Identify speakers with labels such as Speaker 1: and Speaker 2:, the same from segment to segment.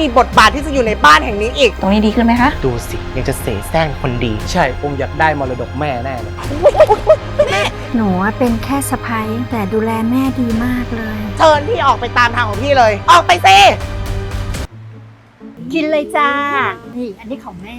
Speaker 1: บทบาทที่จะอยู่ในบ้านแห่งนี้อีก
Speaker 2: ตรงนี้ดีขึ้นไหมคะ
Speaker 1: ดูสิยังจะเสแสร้งคนดี
Speaker 3: ใช่ผมอยากได้มรดกแม่แน่เลย
Speaker 4: หนูเป็นแค่สะใภ้แต่ดูแลแม่ดีมากเลย
Speaker 1: เชิญพี่ออกไปตามทางของพี่เลย ออกไปสิ
Speaker 4: กินเลยจ้า นี่อันนี้ของแม่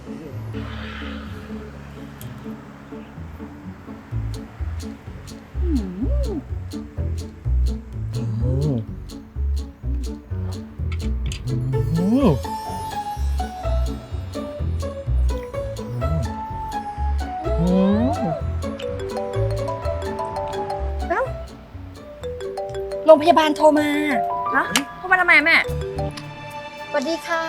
Speaker 4: โรงพยาบาลโทรมา
Speaker 2: ฮะเข้ามาทำไมแม่
Speaker 4: สวัสดีค่ะ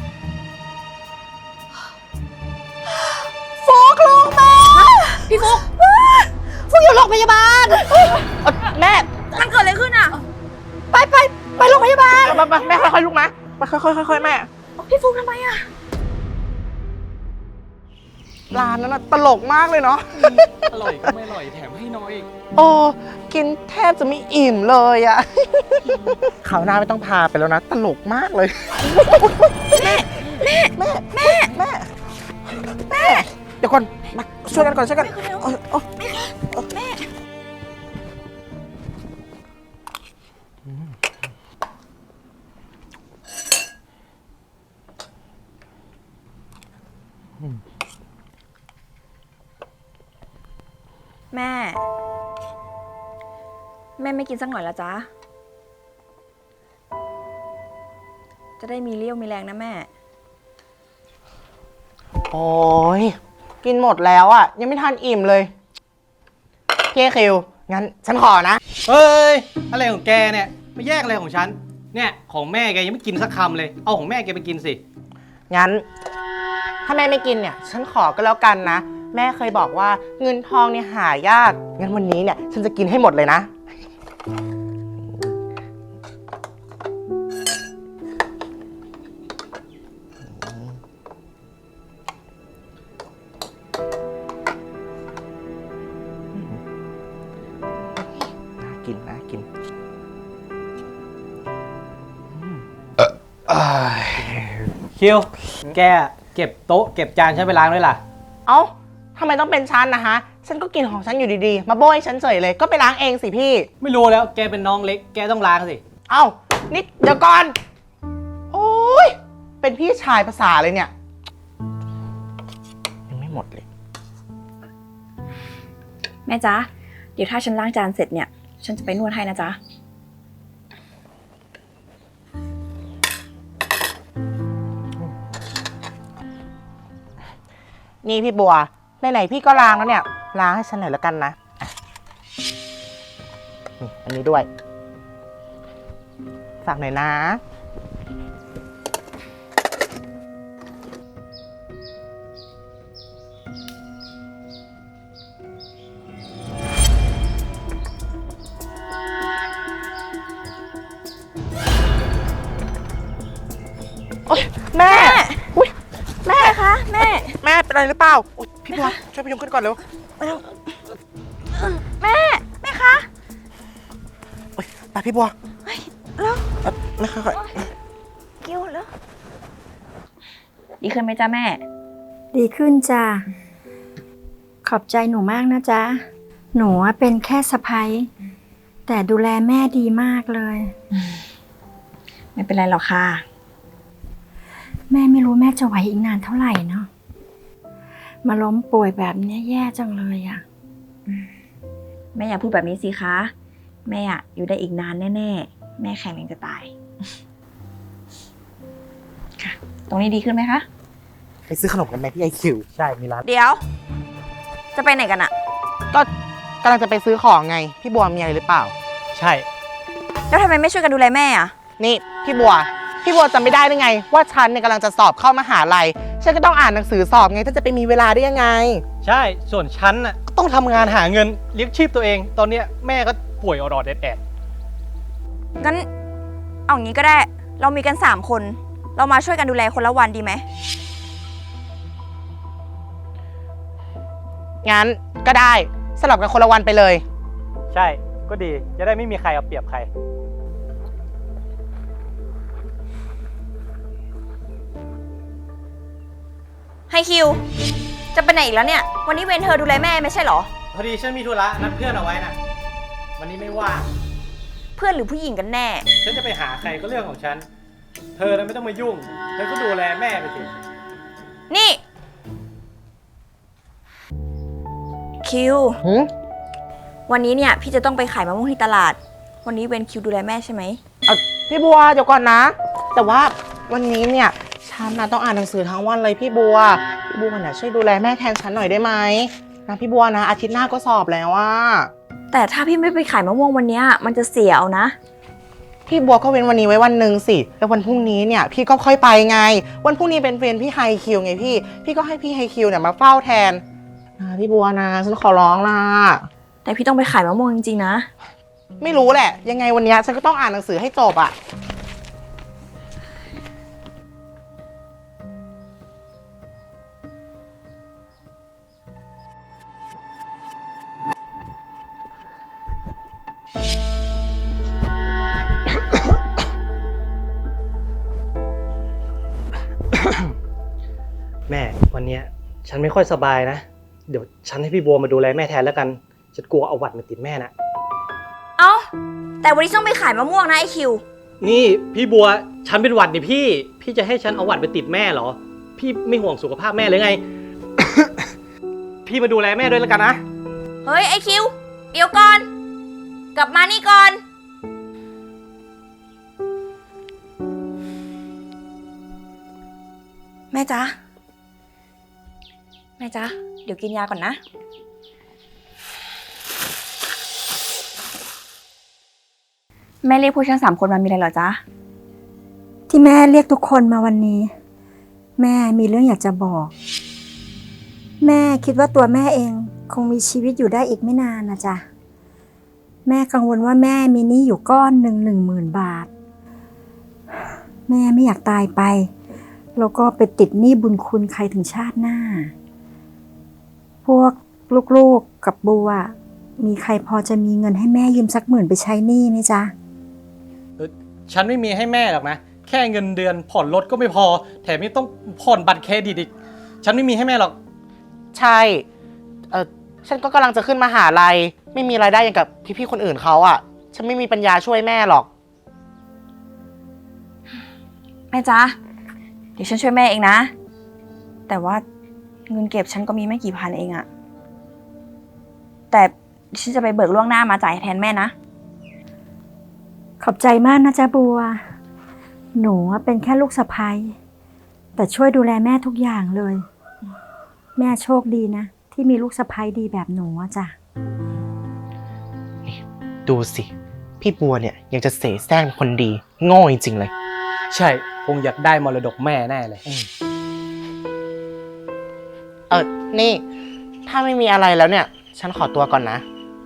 Speaker 1: ฟุกลูกแม่
Speaker 2: พี่ฟุก
Speaker 1: ฟุกอยู่โรงพยาบาลแม่
Speaker 2: มันเกิดอะไรขึ้นอ่ะ
Speaker 1: ไปโรงพยาบาลแม่ค่อยๆลุกนะไปค่อยๆแม่
Speaker 2: พี่ฟุกทำไมอ่ะ
Speaker 1: ร้านนั้นน่ะตลกมากเลยเนาะ
Speaker 3: อร่อยก็ไม่อร่อยแถมให้น้อยอีก
Speaker 1: โอ้กินแทบจะไม่อิ่มเลยอะคราวหน้าไม่ต้องพาไปแล้วนะ ตลกมากเลย แม่เดี๋ยวก่อนมาช่วยกันก่อนช่วยกัน
Speaker 2: แม่ ไม่กินสักหน่อยละจ๊ะ จะได้มีเรี่ยวมีแรงนะแม่
Speaker 1: โอ้ยกินหมดแล้วอะยังไม่ทันอิ่มเลยพี่คิวงั้นฉันขอนะ
Speaker 3: เฮ้ย อะไรของแกเนี่ยมาแยกอะไรของฉัน เนี่ยของแม่แกยังไม่กินสักคำเลย เอาของแม่แกไปกินสิ
Speaker 1: งั้นถ้าแม่ไม่กินเนี่ยฉันขอก็แล้วกันนะแม่เคยบอกว่าเงินทองเนี่ยหายากงั้นวันนี้เนี่ยฉันจะกินให้หมดเลยนะน่ากิน
Speaker 3: คิว แกเก็บโต๊ะเก็บจานฉันไปล้างด้วยล่ะ
Speaker 1: เอ้าทำไมต้องเป็นฉันนะฮะฉันก็กินของฉันอยู่ดีๆมาโบยฉันเฉยเลยก็ไปล้างเองสิพี่
Speaker 3: ไม่รู้แล้วแกเป็นน้องเล็ก แกต้องล้างสิ
Speaker 1: เอ้านิดเดี๋ยวก่อนโอ้ยเป็นพี่ชายภาษาเลยเนี่ยยังไม่หมดเลย
Speaker 2: แม่จ๊ะ เดี๋ยวถ้าฉันล้างจานเสร็จเนี่ย ฉันจะไปนวดให้นะจ๊ะ
Speaker 1: นี่พี่บัวไหนๆพี่ก็ล้างแล้วเนี่ยล้างให้ฉันหน่อยแล้วกันนะนี่อันนี้ด้วยฝากหน่อยนะโอ๊ยแม่อุ๊ยแม่คะแม่เป็นอะไรหรือเปล่าอุ๊ยพี่บัวช่วยพยุงขึ้นก่อนเร็วแม่คะโอ๊ยไปพี่บัวแล้วแม่ค่อยๆ
Speaker 2: กิ้วแล้ว ดีขึ้นไหมจ๊ะแม่
Speaker 4: ดีขึ้นจ้าขอบใจหนูมากนะจ๊ะ หนูเป็นแค่สะใภ้แต่ดูแลแม่ดีมากเลย
Speaker 2: ไม่เป็นไรหรอกค่ะ
Speaker 4: แม่ไม่รู้แม่จะไหวอีกนานเท่าไหร่เนาะมาล้มป่วยแบบนี้แย่จังเลยอะ
Speaker 2: แม่อย่าพูดแบบนี้สิคะ แม่อะอยู่ได้อีกนานแน่ๆ แม่แข็งแรงจะตาย ค่ะ ตรงนี้ดีขึ้นไหมคะ
Speaker 1: ไปซื้อขนมกันไหมพี่ไอคิว
Speaker 3: ใช่ มีร้าน
Speaker 2: เดี๋ยว จะไปไหนกันอะ
Speaker 1: ก็กำลังจะไปซื้อของไงพี่บัวมีอะไรหรือเปล่า
Speaker 3: ใช่
Speaker 2: แล้วทำไมไม่ช่วยกันดูแลแม่อะ
Speaker 1: นี่พี่บัวจำไม่ได้หรือไงว่าฉันเนี่ยกำลังจะสอบเข้ามหาลัยฉันก็ต้องอ่านหนังสือสอบไงถ้าจะไปมีเวลาได้ยังไง
Speaker 3: ใช่ ส่วนฉันน่ะก็ต้องทำงานหาเงินเลี้ยงชีพตัวเอง ตอนเนี้ยแม่ก็ป่วยออดๆแอด
Speaker 2: งั้น เอางี้ก็ได้ เรามีกัน3 คน เรามาช่วยกันดูแลคนละวันดีไหม
Speaker 1: งั้นก็ได้สลับกันคนละวันไปเลย
Speaker 3: ๆใช่ ก็ดี จะได้ไม่มีใครเอาเปรียบใคร
Speaker 2: ให้คิว จะไปไหนอีกแล้วเนี่ย วันนี้เวนเธอดูแลแม่ไม่ใช่เหรอ
Speaker 3: พอดีฉันมีธุระนัดเพื่อนเอาไว้นะวันนี้ไม่ว่าง
Speaker 2: เพื่อนหรือผู้หญิงกันแน่
Speaker 3: ฉันจะไปหาใครก็เรื่องของฉัน เธอน่ะไม่ต้องมายุ่ง เธอก็ดูแลแม่ไปสิ
Speaker 2: นี่ คิว
Speaker 1: หืม
Speaker 2: วันนี้เนี่ยพี่จะต้องไปขายมะม่วงที่ตลาด วันนี้เวนคิวดูแลแม่ใช่ไหม
Speaker 1: พี่บัวเดี๋ยวก่อนนะ แต่ว่าวันนี้เนี่ยฉันนะต้องอ่านหนังสือทั้งวันเลยพี่บัวเนี่ยช่วยดูแลแม่แทนฉันหน่อยได้ไหมนะพี่บัวนะอาทิตย์หน้าก็สอบแล้วว่า
Speaker 2: แต่ถ้าพี่ไม่ไปขายมะม่วงวันเนี้ยมันจะเสียเอานะ
Speaker 1: พี่บัวก็เว้นวันนี้ไว้วันหนึ่งสิแล้ววันพรุ่งนี้เนี่ยพี่ก็ค่อยไปไง วันพรุ่งนี้เป็นเวรพี่ไฮคิวไงพี่ก็ให้พี่ไฮคิวเนี่ยมาเฝ้าแทนนะพี่บัวนะฉันขอร้องล่ะ
Speaker 2: แต่พี่ต้องไปขายมะม่วงจริงๆนะ
Speaker 1: ไม่รู้แหละยังไงวันนี้ฉันก็ต้องอ่านหนังสือให้จบอ่ะ
Speaker 3: แม่วันเนี้ยฉันไม่ค่อยสบายนะ เดี๋ยวฉันให้พี่บัวมาดูแลแม่แทนแล้วกัน ฉันกลัวเอาหวัดมาติดแม่นะ
Speaker 2: เอ้า แต่วันนี้ต้องไปขายมะม่วงนะไอคิว
Speaker 3: นี่พี่บัวฉันเป็นหวัดดิพี่จะให้ฉันเอาหวัดไปติดแม่เหรอ พี่ไม่ห่วงสุขภาพแม่เลยไง พี่มาดูแลแม่ด้วยแล้วกันนะ
Speaker 2: เฮ้ยไอคิว เดี๋ยวก่อน กลับมานี่ก่อน แม่จ๊ะ แม่จ๊ะ เดี๋ยวกินยาก่อนนะ แม่เรียกพวกฉัน3 คนมามีอะไรเหรอจ๊ะ
Speaker 4: ที่แม่เรียกทุกคนมาวันนี้ แม่มีเรื่องอยากจะบอก แม่คิดว่าตัวแม่เองคงมีชีวิตอยู่ได้อีกไม่นานนะจ๊ะแม่กังวลว่าแม่มีหนี้อยู่ก้อนหนึ่ง10,000 บาท แม่ไม่อยากตายไปแล้วก็ไปติดหนี้บุญคุณใครถึงชาติหน้า พวกลูกๆกับบัวมีใครพอจะมีเงินให้แม่ยืมสัก10,000ไปใช้หนี้ไหมจ๊ะ
Speaker 3: ฉันไม่มีให้แม่หรอกนะ แค่เงินเดือนผ่อนรถก็ไม่พอ แถมยังต้องผ่อนบัตรเครดิตอีก ฉันไม่มีให้แม่หรอก
Speaker 1: ใช่ฉันก็กำลังจะขึ้นมหาลัยไม่มีรายได้อย่างกับพี่ๆคนอื่นเขาอ่ะฉันไม่มีปัญญาช่วยแม่หรอก
Speaker 2: แม่จ๊ะ เดี๋ยวฉันช่วยแม่เองนะ แต่ว่าเงินเก็บฉันก็มีไม่กี่พันเองอะแต่ฉันจะไปเบิกล่วงหน้ามาจ่ายแทนแม่นะ
Speaker 4: ขอบใจมากนะจ๊ะบัว หนูเป็นแค่ลูกสะใภ้แต่ช่วยดูแลแม่ทุกอย่างเลย แม่โชคดีนะ ที่มีลูกสะใภ้ดีแบบหนูอะจ้ะ
Speaker 1: ดูสิพี่บัวเนี่ยยังจะเสแสร้งคนดีโง่จริงๆเลย
Speaker 3: ใช่คงอยากได้มรดกแม่แน่เลย
Speaker 1: นี่ถ้าไม่มีอะไรแล้วเนี่ยฉันขอตัวก่อนนะ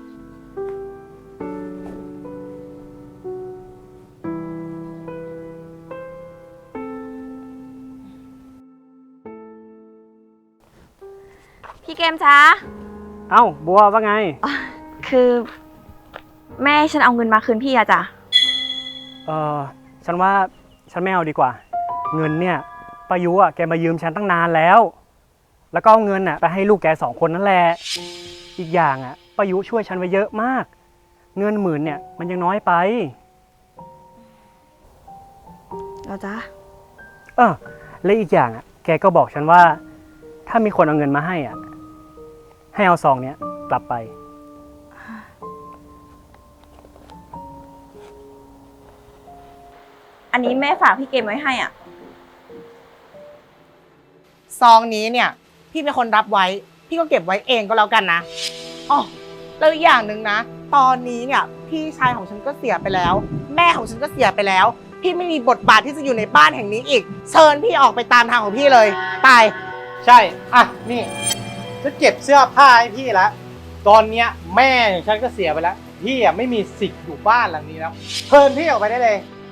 Speaker 2: พี่เกมจ๊ะ
Speaker 3: เอ้าบัวว่าไง
Speaker 2: คือแม่ให้ฉันเอาเงินมาคืนพี่อะจ้ะ
Speaker 5: ฉันว่าฉันไม่เอาดีกว่า เงินเนี่ยป้ายุอ่ะแกมายืมฉันตั้งนานแล้ว แล้วก็เอาเงินอ่ะไปให้ลูกแก2 คนนั่นแหละอีกอย่างอ่ะป้ายุช่วยฉันไว้เยอะมาก เงิน10,000เนี่ยมันยังน้อยไป
Speaker 2: แล้วจ๊ะ
Speaker 5: และอีกอย่างอ่ะแกก็บอกฉันว่าถ้ามีคนเอาเงินมาให้อ่ะให้เอาซองเนี้ยกลับไป
Speaker 2: อันนี้แม่ฝากพี่เกมไว้ให้อ่ะ
Speaker 1: ซองนี้เนี่ยพี่เป็นคนรับไว้พี่ก็เก็บไว้เองก็แล้วกันนะอ๋อแล้วอีกอย่างหนึ่งนะตอนนี้เนี่ยพี่ชายของฉันก็เสียไปแล้ว แม่ของฉันก็เสียไปแล้วพี่ไม่มีบทบาทที่จะอยู่ในบ้านแห่งนี้อีกเชิญพี่ออกไปตามทางของพี่เลยไป
Speaker 3: ใช่ อ่ะ นี่จะเก็บเสื้อผ้าให้พี่แล้ว ตอนเนี้ยแม่ของฉันก็เสียไปแล้ว พี่อ่ะไม่มีสิทธิ์อยู่บ้านหลังนี้แล้วเชิญพี่ออกไปได้เลย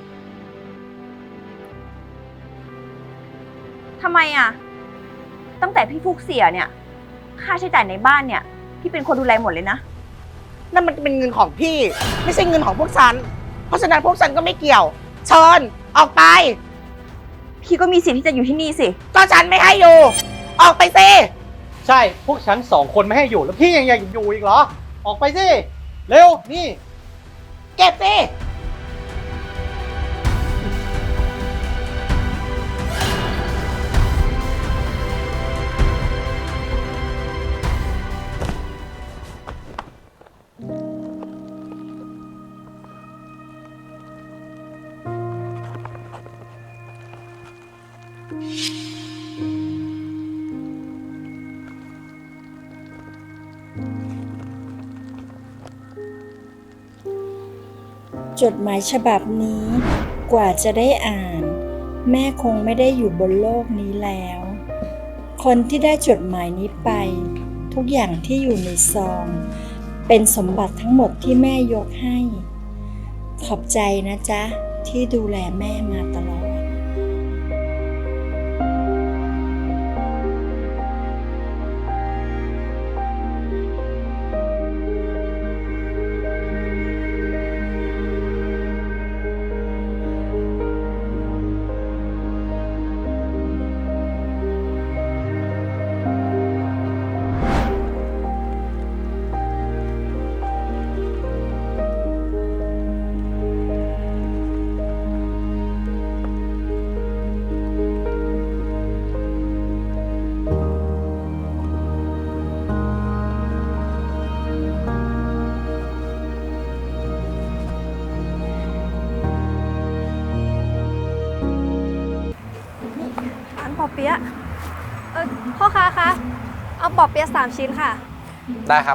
Speaker 2: ทำไมอ่ะ ตั้งแต่พี่ฟุกเสียเนี่ย ค่าใช้จ่ายในบ้านเนี่ยพี่เป็นคนดูแลหมดเลยนะ
Speaker 1: นั่นมันเป็นเงินของพี่ไม่ใช่เงินของพวกฉันเพราะฉะนั้นพวกฉันก็ไม่เกี่ยวเชิญออกไป
Speaker 2: พี่ก็มีสิทธิ์ที่จะอยู่ที่นี่สิ
Speaker 1: ก็ฉันไม่ให้อยู่ออกไปสิ
Speaker 3: ใช่ พวกฉัน2 คนไม่ให้อยู่แล้วพี่ยังอยากอยู่อีกเหรอ ออกไปสิ เร็ว นี่
Speaker 1: เก็บสิ
Speaker 4: จดหมายฉบับนี้กว่าจะได้อ่าน แม่คงไม่ได้อยู่บนโลกนี้แล้ว คนที่ได้จดหมายนี้ไป ทุกอย่างที่อยู่ในซอง เป็นสมบัติทั้งหมดที่แม่ยกให้ ขอบใจนะจ๊ะ ที่ดูแลแม่มาตลอด
Speaker 6: ร้านปอเปี๊ยะพ่อค้าคะ เอาปอเปี๊ยะ3 ชิ้นค่ะ
Speaker 7: ได้ครับ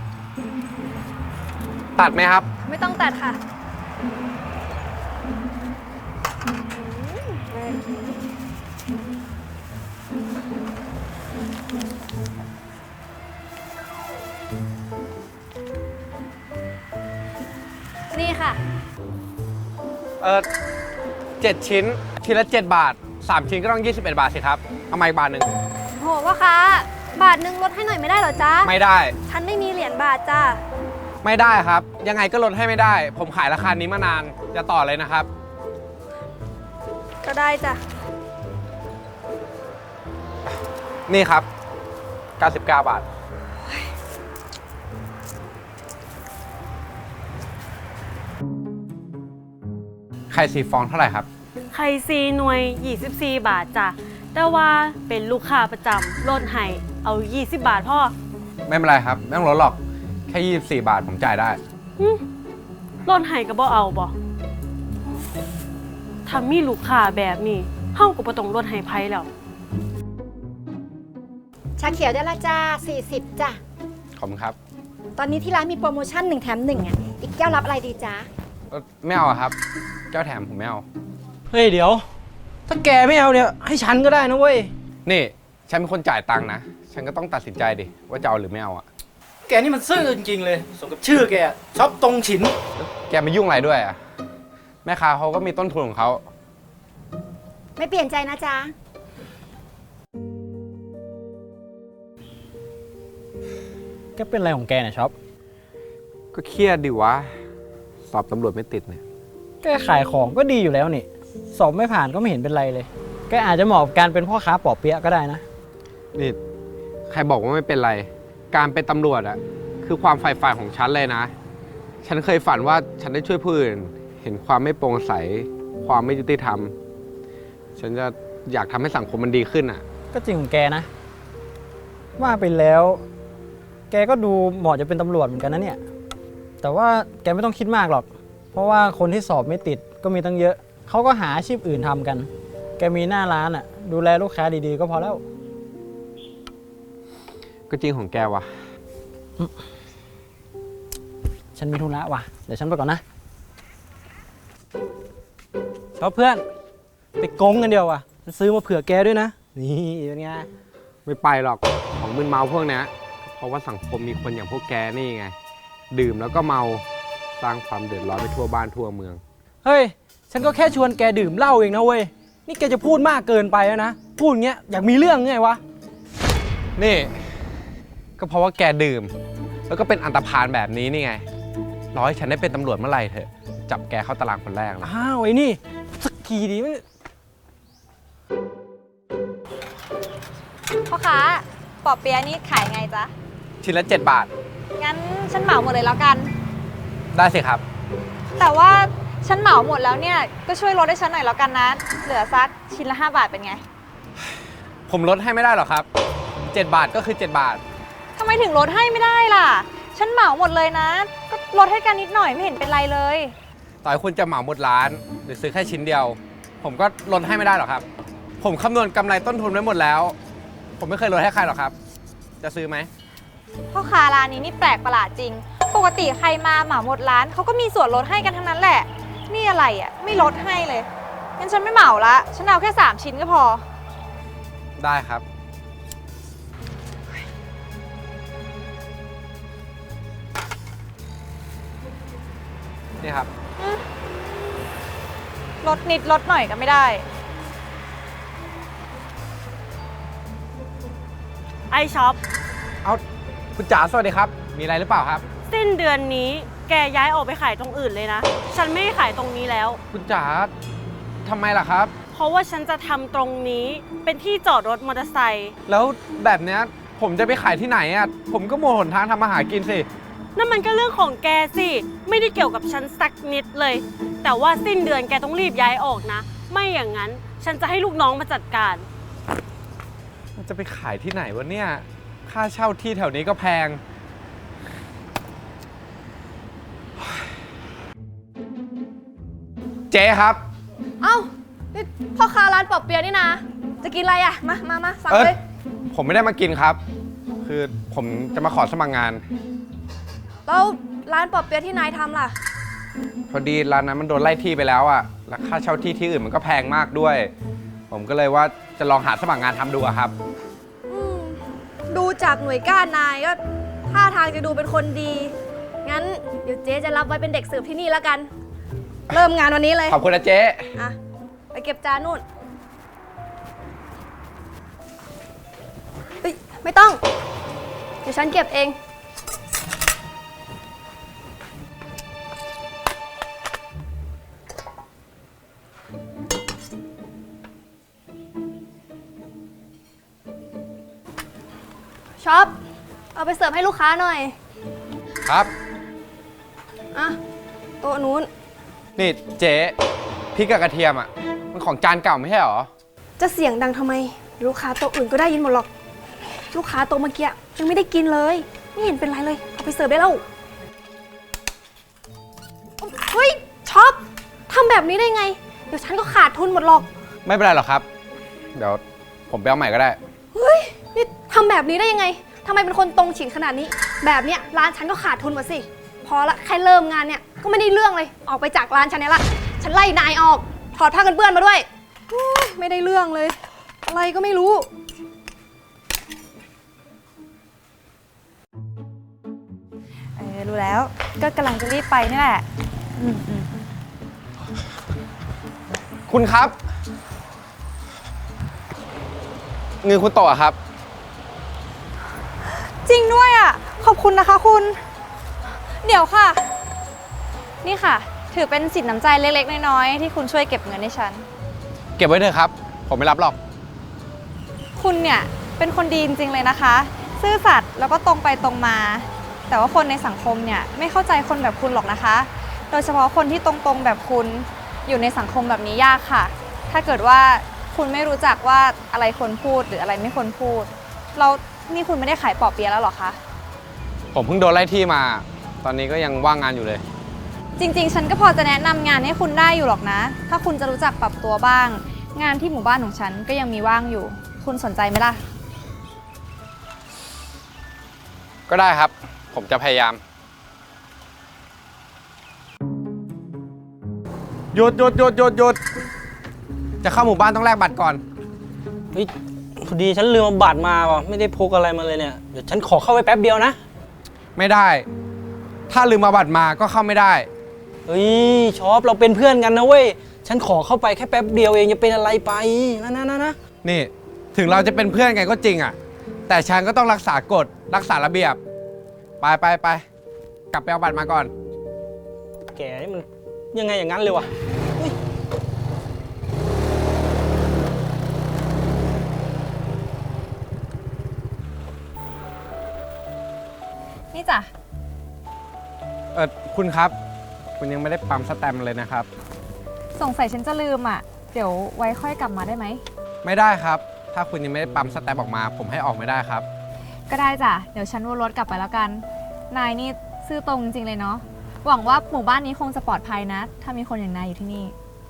Speaker 7: ตัดไหมครับ
Speaker 6: ไม่ต้องตัดค่ะ นี่ค่ะ
Speaker 7: 7 ชิ้น ชิ้นละ 7 บาท 3 ชิ้นก็ต้อง 21 บาทสิครับ เอามาอีกบาทหนึ่ง
Speaker 6: โหพ่อค้า บาทนึงลดให้หน่อยไม่ได้เหรอจ๊ะ
Speaker 7: ไม่ได้
Speaker 6: ฉันไม่มีเหรียญบาทจ้า
Speaker 7: ไม่ได้ครับ ยังไงก็ลดให้ไม่ได้ ผมขายราคานี้มานาน จะต่อเลยนะครับ
Speaker 6: ก็ได้จ้ะ
Speaker 7: นี่ครับ 99 บาท ไข่4 ฟองเท่าไหร่ครับ
Speaker 8: ไข่ซีหน่วย 24 บาทจ้ะ แต่ว่าเป็นลูกค้าประจำลดให้เอา 20 บาทพ่อ
Speaker 7: ไม่เป็นไรครับ ไม่ต้องลดหรอก แค่ 24 บาทผมจ่ายได้
Speaker 8: ลดให้ก็บ่เอาบ่ถ้ามีลูกค้าแบบนี้เฮาก็บ่ต้องลดให้ไผแล้ว
Speaker 9: ชาเขียวได้ละจ้า 40 จ้ะ
Speaker 7: ขอบคุณครับ
Speaker 9: ตอนนี้ที่ร้านมีโปรโมชั่น1 แถม 1อ่ะ อีกแก้วรับอะไรดีจ้า
Speaker 7: ไม่เอาอะครับ แก้วแถมผมไม่เอา
Speaker 3: เฮ้ย เดี๋ยว ถ้าแกไม่เอาเนี่ย ให้ฉันก็ได้นะเว้ย
Speaker 7: นี่ ฉันเป็นคนจ่ายตังค์นะ ฉันก็ต้องตัดสินใจดิ ว่าจะเอาหรือไม่เอาอะ
Speaker 3: แกนี่มันซื่อจริงๆเลยสมกับชื่อแกชอบตรงฉิน
Speaker 7: แกมายุ่งอะไรด้วยอะแม่ค้าเขาก็มีต้นทุนของเขา
Speaker 9: ไม่เปลี่ยนใจนะจ๊ะ
Speaker 3: แกเป็นอะไรของแกเนี่ยช็อป
Speaker 7: ก็เครียดดิวะ สอบตำรวจไม่ติดเนี่ย
Speaker 10: แกขายของก็ดีอยู่แล้วนี่ สอบไม่ผ่านก็ไม่เห็นเป็นไรเลย แกอาจจะเหมาะกับการเป็นพ่อค้าปอเปี๊ยะก็ได้นะ
Speaker 7: นี่ ใครบอกว่าไม่เป็นไร การเป็นตำรวจอะคือความใฝ่ฝันของฉันเลยนะ ฉันเคยฝันว่าฉันได้ช่วยผู้อื่น เห็นความไม่โปร่งใส ความไม่ยุติธรรม ฉันจะอยากทำให้สังคมมันดีขึ้นอะ
Speaker 10: ก็จริงของแกนะ ว่าไปแล้ว แกก็ดูเหมาะจะเป็นตำรวจเหมือนกันนะเนี่ย แต่ว่าแกไม่ต้องคิดมากหรอก เพราะว่าคนที่สอบไม่ติดก็มีตั้งเยอะ เขาก็หาอาชีพอื่นทำกัน แกมีหน้าร้านอ่ะ ดูแลลูกค้าดีๆก็พอแล้ว
Speaker 7: ก็จริงของแกวะ
Speaker 10: ฉันมีธุระว่ะ เดี๋ยวฉันไปก่อนนะชอบเพื่อน ไปโกงกันเดียวว่ะมันซื้อมาเผื่อแกด้วยนะ นี่เป็นไง
Speaker 7: ไม่ไปหรอก ของมึนเมาพวกเนี้ยเพราะว่าสังคมมีคนอย่างพวกแกนี่ไง ดื่มแล้วก็เมาสร้างความเดือดร้อนไปทั่วบ้านทั่วเมือง
Speaker 10: เฮ้ย ฉันก็แค่ชวนแกดื่มเหล้าเองนะเว้ย นี่แกจะพูดมากเกินไปแล้วนะ พูดอย่างเงี้ยอยากมีเรื่องไงวะ
Speaker 7: นี่ ก็เพราะว่าแกดื่ม แล้วก็เป็นอันตพาลแบบนี้นี่ไงรอให้ฉันได้เป็นตำรวจเมื่อไหร่เถอะจับแกเข้าตารางคนแรกเลย
Speaker 10: อ้าวไอ้นี่สักทีดีไหม
Speaker 6: พ่อค้าปอเปี๊ยะนี่ขายไงจ๊ะ
Speaker 7: ชิ้นละ 7 บาท
Speaker 6: งั้นฉันเหมาหมดเลยแล้วกัน
Speaker 7: ได้สิครับ
Speaker 6: แต่ว่าฉันเหมาหมดแล้วเนี่ยก็ช่วยลดให้ฉันหน่อยแล้วกันนะ เหลือสักชิ้นละ5 บาทเป็นไง
Speaker 7: ผมลดให้ไม่ได้หรอกครับ 7 บาทก็คือ 7 บาท
Speaker 6: ทำไมถึงลดให้ไม่ได้ล่ะ ฉันเหมาหมดเลยนะ ก็ลดให้กันนิดหน่อยไม่เห็นเป็นไรเลย
Speaker 7: ต่อให้คุณจะเหมาหมดร้าน หรือซื้อแค่ชิ้นเดียว ผมก็ลดให้ไม่ได้หรอกครับ ผมคำนวณกำไรต้นทุนไว้หมดแล้ว ผมไม่เคยลดให้ใครหรอกครับ จะซื้อไหม
Speaker 6: พ่อค้าร้านนี้นี่แปลกประหลาดจริง ปกติใครมาเหมาหมดร้านเขาก็มีส่วนลดให้กันทั้งนั้นแหละ นี่อะไรอ่ะไม่ลดให้เลย งั้นฉันไม่เหมาละ ฉันเอาแค่3 ชิ้นก็พอ
Speaker 7: ได้ครับ นี่ครับ
Speaker 6: ลดนิดลดหน่อยก็ไม่ได้
Speaker 8: ไอช็อป
Speaker 7: เอาคุณจ๋าสวัสดีครับ มีอะไรหรือเปล่าครับ
Speaker 8: สิ้นเดือนนี้แกย้ายออกไปขายตรงอื่นเลยนะ ฉันไม่ได้ขายตรงนี้แล้ว
Speaker 7: คุณจ๋าทำไมล่ะครับ
Speaker 8: เพราะว่าฉันจะทำตรงนี้เป็นที่จอดรถมอเตอร์ไซค์
Speaker 7: แล้วแบบเนี้ยผมจะไปขายที่ไหนอ่ะ ผมก็หมดหนทางทำมาหากินสิ
Speaker 8: นั่นมันก็เรื่องของแกสิ ไม่ได้เกี่ยวกับฉันสักนิดเลย แต่ว่าสิ้นเดือนแกต้องรีบย้ายออกนะ ไม่อย่างนั้นฉันจะให้ลูกน้องมาจัดการ
Speaker 7: มันจะไปขายที่ไหนวะเนี่ย ค่าเช่าที่แถวนี้ก็แพง เจ๊ครับ
Speaker 6: เอ้านี่พ่อค้าร้านปอเปี๊ยะนี่นะ จะกินอะไรอ่ะ มาสั่งเลย
Speaker 7: ผมไม่ได้มากินครับ คือผมจะมาขอสมัครงาน
Speaker 6: แล้วร้านปอเปี๊ยะที่นายทำล่ะ
Speaker 7: พอดีร้านนั้นมันโดนไล่ที่ไปแล้วอ่ะ แล้วค่าเช่าที่ที่อื่นมันก็แพงมากด้วย ผมก็เลยว่าจะลองหาสมัครงานทำดูอะครับ
Speaker 6: ดูจากหน่วยก้านนายก็ท่าทางจะดูเป็นคนดี งั้นเดี๋ยวเจ๊จะรับไว้เป็นเด็กเสิร์ฟที่นี่แล้วกัน เริ่มงานวันนี้เลย
Speaker 7: ขอบคุณนะเจ๊
Speaker 6: อ่ะ ไปเก็บจานนู่นเฮ้ยไม่ต้อง เดี๋ยวฉันเก็บเอง ช็อป เอาไปเสิร์ฟให้ลูกค้าหน่อย
Speaker 7: ครับ
Speaker 6: อ่ะ โต๊ะนู้น
Speaker 7: นี่เจ๊พริกกับกระเทียมอ่ะ มันของจานเก่าไม่ใช่หรอ
Speaker 6: จะเสียงดังทำไม ลูกค้าโต๊ะอื่นก็ได้ยินหมดหรอก ลูกค้าโต๊ะเมื่อกี้ยังไม่ได้กินเลย ไม่เห็นเป็นไรเลย เอาไปเสิร์ฟได้แล้ว เฮ้ยช็อปทำแบบนี้ได้ไง เดี๋ยวฉันก็ขาดทุนหมดหรอก
Speaker 7: ไม่เป็นไรหรอกครับ เดี๋ยวผมไปเอาใหม่ก็ได้
Speaker 6: เฮ้ย นี่ทำแบบนี้ได้ยังไงทำไมเป็นคนตรงฉินขนาดนี้ แบบเนี้ยร้านฉันก็ขาดทุนหมดสิ พอละแค่เริ่มงานเนี่ยก็ไม่ได้เรื่องเลย ออกไปจากร้านฉันเนี่ยละ ฉันไล่นายออก ถอดผ้ากันเปื้อนมาด้วยไม่ได้เรื่องเลย อะไรก็ไม่รู้
Speaker 2: รู้แล้ว ก็กำลังจะรีบไปนี่แหละ
Speaker 7: คุณครับเงินคุณโตอะครับ
Speaker 6: จริงด้วยอ่ะ ขอบคุณนะคะคุณ เดี๋ยวค่ะ นี่ค่ะ ถือเป็นสินน้ำใจเล็กๆน้อยๆที่คุณช่วยเก็บเงินให้ฉัน
Speaker 7: เก็บไว้เถอะครับ ผมไม่รับหรอก
Speaker 6: คุณเนี่ยเป็นคนดีจริงๆเลยนะคะ ซื่อสัตย์แล้วก็ตรงไปตรงมา แต่ว่าคนในสังคมเนี่ยไม่เข้าใจคนแบบคุณหรอกนะคะ โดยเฉพาะคนที่ตรงๆแบบคุณอยู่ในสังคมแบบนี้ยากค่ะ ถ้าเกิดว่าคุณไม่รู้จักว่าอะไรควรพูดหรืออะไรไม่ควรพูดเรานี่คุณไม่ได้ขายปอเปี๊ยะแล้วหรอคะ
Speaker 7: ผมเพิ่งโดนไล่ที่มา ตอนนี้ก็ยังว่างงานอยู่เลย
Speaker 6: จริงๆ ฉันก็พอจะแนะนำงานให้คุณได้อยู่หรอกนะ ถ้าคุณจะรู้จักปรับตัวบ้าง งานที่หมู่บ้านของฉันก็ยังมีว่างอยู่ คุณสนใจไหมล่ะ
Speaker 7: ก็ได้ครับ ผมจะพยายาม หยุด จะเข้าหมู่บ้านต้องแลกบัตรก่อน
Speaker 10: เฮ้ยพอดีฉันลืมเอาบัตรมาว่ะไม่ได้พกอะไรมาเลยเนี่ย เดี๋ยวฉันขอเข้าไปแป๊บเดียวนะ
Speaker 7: ไม่ได้ ถ้าลืมเอาบัตรมาก็เข้าไม่ได้
Speaker 10: เฮ้ยชอปเราเป็นเพื่อนกันนะเว้ย ฉันขอเข้าไปแค่แป๊บเดียวเองจะเป็นอะไรไปนะ
Speaker 7: นี่ ถึงเราจะเป็นเพื่อนกันก็จริงอ่ะ แต่ฉันก็ต้องรักษากฎ รักษาระเบียบ ไป กลับไปเอาบัตรมาก่อน
Speaker 10: แกนี่มันยังไงอย่างนั้นเลยวะ
Speaker 6: นี่จ้ะ
Speaker 7: คุณครับ คุณยังไม่ได้ปั๊มสแตมป์เลยนะครับ
Speaker 6: สงสัยฉันจะลืมอ่ะ เดี๋ยวไว้ค่อยกลับมาได้ไหม
Speaker 7: ไม่ได้ครับ ถ้าคุณยังไม่ได้ปั๊มสแตมป์ออกมา ผมให้ออกไม่ได้ครับ
Speaker 6: ก็ได้จ้ะ เดี๋ยวฉันวนรถกลับไปแล้วกัน นายนี่ซื่อตรงจริงๆเลยเนาะ หวังว่าหมู่บ้านนี้คงจะปลอดภัยนะ ถ้ามีคนอย่างนายอยู่ที่นี่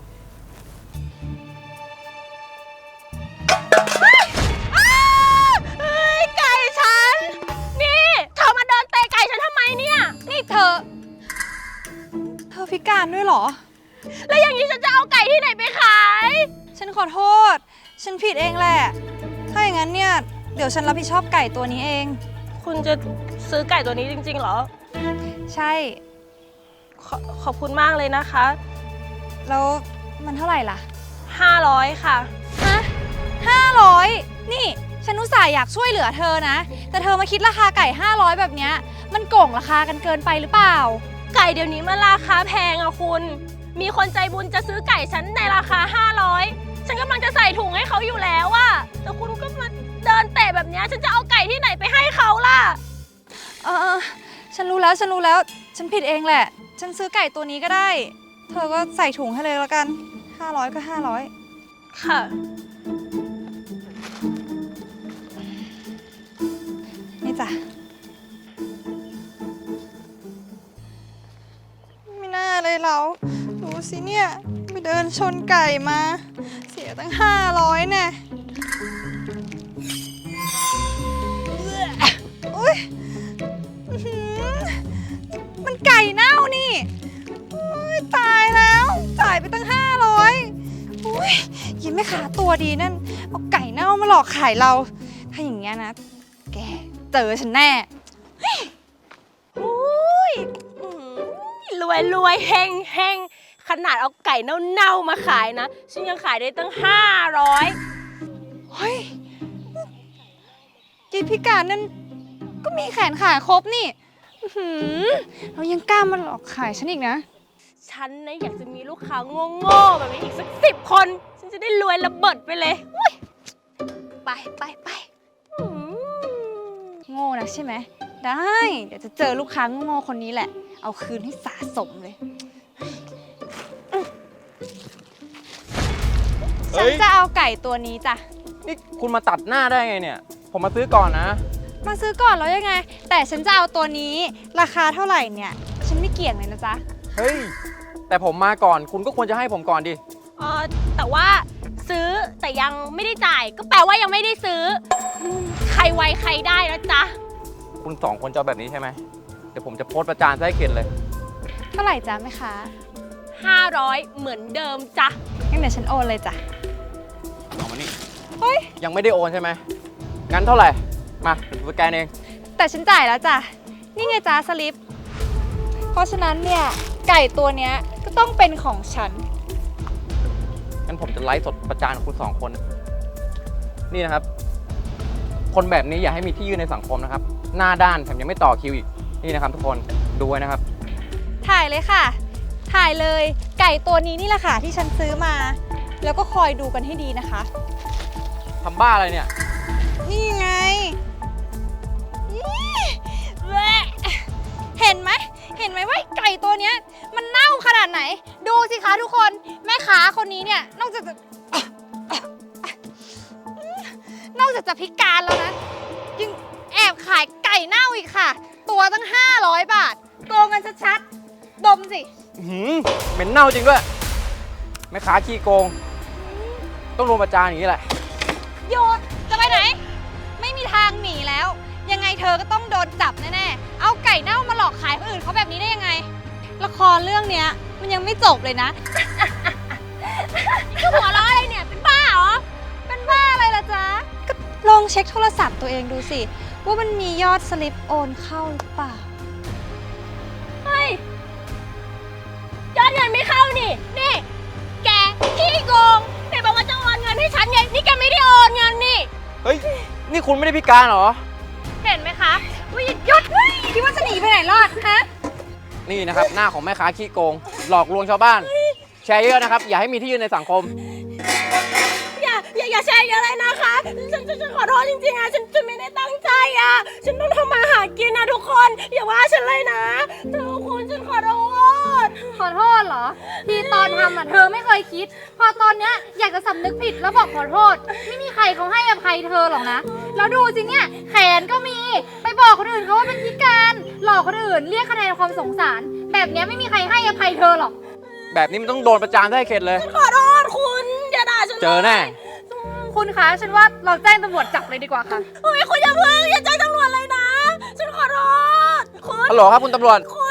Speaker 8: ไก่ฉัน นี่เธอมาเดินเตะไก่ฉันทำไมเนี่ย
Speaker 6: นี่เธอพิการด้วยเหรอ
Speaker 8: แล้วอย่างนี้ฉันจะเอาไก่ที่ไหนไปขาย
Speaker 6: ฉันขอโทษ ฉันผิดเองแหละ ถ้าอย่างนั้นเนี่ย เดี๋ยวฉันรับผิดชอบไก่ตัวนี้เอง
Speaker 8: คุณจะซื้อไก่ตัวนี้จริงๆเหรอ
Speaker 6: ใช่
Speaker 8: ขอบคุณมากเลยนะคะ
Speaker 6: แล้วมันเท่าไหร่ล่ะ
Speaker 8: 500 ค่ะ
Speaker 6: ฮะ500 นี่ ฉันอุตส่าห์อยากช่วยเหลือเธอนะ แต่เธอมาคิดราคาไก่ 500 แบบเนี้ย มันโก่งราคากันเกินไปหรือเปล่า
Speaker 8: ไก่เดี๋ยวนี้มันราคาแพงอะคุณ มีคนใจบุญจะซื้อไก่ฉันในราคา 500 ฉันกำลังจะใส่ถุงให้เขาอยู่แล้วอะแต่คุณก็มาเดินเตะแบบเนี้ยฉันจะเอาไก่ที่ไหนไปให้เขาล่ะ
Speaker 6: ฉันรู้แล้ว ฉันผิดเองแหละ ฉันซื้อไก่ตัวนี้ก็ได้ เธอก็ใส่ถุงให้เลยแล้วกัน 500 ก็ 500
Speaker 8: ค่ะ
Speaker 6: นี่จ้ะ ไม่น่าเลยเรา ดูสิเนี่ยไปเดินชนไก่มา เสียตั้ง 500แน่อุ๊ยอื้อหือมันไก่เน่านี่อุ๊ยตายแล้ว จ่ายไปตั้ง 500อุ๊ยยิ้มแม่ค้าตัวดีนั่น เอาไก่เน่ามาหลอกขายเรา ถ้าอย่างเงี้ยนะ แกเจอฉันแน่
Speaker 8: อุ้ยรวยเฮงขนาดเอาไก่เน่าๆมาขายนะ ฉันยังขายได้ตั้ง 500
Speaker 6: เฮ้ยยีพิการนั่นก็มีแขนขาครบนี่อื้อหือเรายังกล้ามาหลอกขายฉันอีกนะ
Speaker 8: ฉันนะอยากจะมีลูกค้าโง่ๆแบบนี้อีกสัก10 คน ฉันจะได้รวยระเบิดไปเลยอุ๊ยไปอืม
Speaker 6: โง่นะใช่ไหม ได้ เดี๋ยวจะเจอลูกค้าโง่ๆคนนี้แหละ เอาคืนให้สะสมเลย ฉันจะเอาไก่ตัวนี้จ้ะ
Speaker 10: นี่คุณมาตัดหน้าได้ไงเนี่ย ผมมาซื้อก่อนนะ
Speaker 6: มาซื้อก่อนแล้วยังไง แต่ฉันจะเอาตัวนี้ราคาเท่าไหร่เนี่ย ฉันไม่เกี่ยงเลยนะจ๊ะ
Speaker 10: เฮ้ย แต่ผมมาก่อน คุณก็ควรจะให้ผมก่อนดิ
Speaker 8: แต่ว่าซื้อแต่ยังไม่ได้จ่าย ก็แปลว่ายังไม่ได้ซื้อใครไวใครได้นะจ๊ะ
Speaker 10: คุณสองคนจะเอาแบบนี้ใช่ไหม เดี๋ยวผมจะโพสต์ประจานซะให้เข็ดเลย
Speaker 6: เท่าไหร่จ๊ะแม่ค้า
Speaker 8: 500 เหมือนเดิมจ้ะ
Speaker 6: งั้นเดี๋ยวฉันโอนเลยจ้ะ
Speaker 10: เอามานี่
Speaker 6: เฮ้ย
Speaker 10: ยังไม่ได้โอนใช่ไหม งั้นเท่าไหร่ มาเดี๋ยวผมสแกนเอง
Speaker 6: แต่ฉันจ่ายแล้วจ้ะ นี่ไงจ้าสลิป เพราะฉะนั้นเนี่ย ไก่ตัวเนี้ยก็ต้องเป็นของฉัน
Speaker 10: งั้นผมจะไลฟ์สดประจานคุณสองคน นี่นะครับ คนแบบนี้อย่าให้มีที่ยืนในสังคมนะครับ หน้าด้านแถมยังไม่ต่อคิวอีก นี่นะครับทุกคน ดูไว้นะครับ
Speaker 6: ถ่ายเลยค่ะ ถ่ายเลย ไก่ตัวนี้นี่แหละค่ะที่ฉันซื้อมา แล้วก็คอยดูกันให้ดีนะคะ
Speaker 10: ทำบ้าอะไรเนี่ย
Speaker 6: นี่ไงนี่แหละเห็นไหมว่าไก่ตัวเนี้ยมันเน่าขนาดไหน ดูสิคะทุกคน แม่ค้าคนนี้เนี่ยนอกจากจะพิการแล้วนะ ยังแอบขายไก่เน่าอีกค่ะ ตัวตั้ง 500 บาท โกงกันชัดๆ ดมสิ
Speaker 10: เหม็นเน่าจริงด้วย แม่ค้าขี้โกง ต้องโดนประจานอย่างนี้แหละ
Speaker 6: โยนจะไปไหน ไม่มีทางหนีแล้ว ยังไงเธอก็ต้องโดนจับแน่ๆ เอาไก่เน่ามาหลอกขายคนอื่นเขาแบบนี้ได้ยังไง ละครเรื่องเนี้ยมันยังไม่จบเลยนะ
Speaker 8: นี่คือหัวเราะอะไรเนี่ย เป็นบ้าเหรอ
Speaker 6: เป็นบ้าอะไรล่ะจ๊ะ ก็ลองเช็คโทรศัพท์ตัวเองดูสิ ว่ามันมียอดสลิปโอนเข้าหรือเปล่า
Speaker 8: เฮ้ยยอดเงินไม่เข้านี่ นี่ แกขี้โกงไหนบอกว่าจะโอนเงินให้ฉันไง นี่แกไม่ได้โอนเงินนี่
Speaker 10: เฮ้ย นี่คุณไม่ได้พิการเหรอ
Speaker 8: เห็นไหมคะว่าหยุด
Speaker 6: คิดว่าจะหนีไปไหนรอดฮะ
Speaker 10: นี่นะครับ หน้าของแม่ค้าขี้โกง หลอกลวงชาวบ้าน แชร์เยอะนะครับ อย่าให้มีที่ยืนในสังคม
Speaker 8: อย่าอย่าแชร์เยอะเลยนะคะ ฉันขอโทษจริงๆอะฉันไม่ได้ตั้งใจอะฉันต้องทำมาหากินนะทุกคนอย่าว่าฉันเลยนะทุกคนฉันขอโทษ
Speaker 11: ขอโทษเหรอ ที่ตอนทำอ่ะเธอไม่เคยคิด พอตอนเนี้ยอยากจะสำนึกผิดแล้วบอกขอโทษ ไม่มีใครเขาให้อภัยเธอหรอกนะ แล้วดูสิเนี่ยแขนก็มี ไปบอกคนอื่นเขาว่าเป็นพิการหลอกคนอื่นเรียกคะแนนความสงสาร แบบเนี้ยไม่มีใครให้อภัยเธอหรอก
Speaker 10: แบบนี้มันต้องโดนประจานได้เข็ดเลย
Speaker 8: ขอโทษคุณอย่าด่าฉัน
Speaker 10: เจอแน่
Speaker 11: คุณคะฉันว่าเราแจ้งตำรวจจับเลยดีกว่าค่ะ
Speaker 8: โอ้ยคุณอย่าเพิ่งอย่าแจ้งตำรวจเลยนะ ฉันขอโทษคุณ
Speaker 10: ฮัลโหลครับคุณตำรวจ
Speaker 8: คุ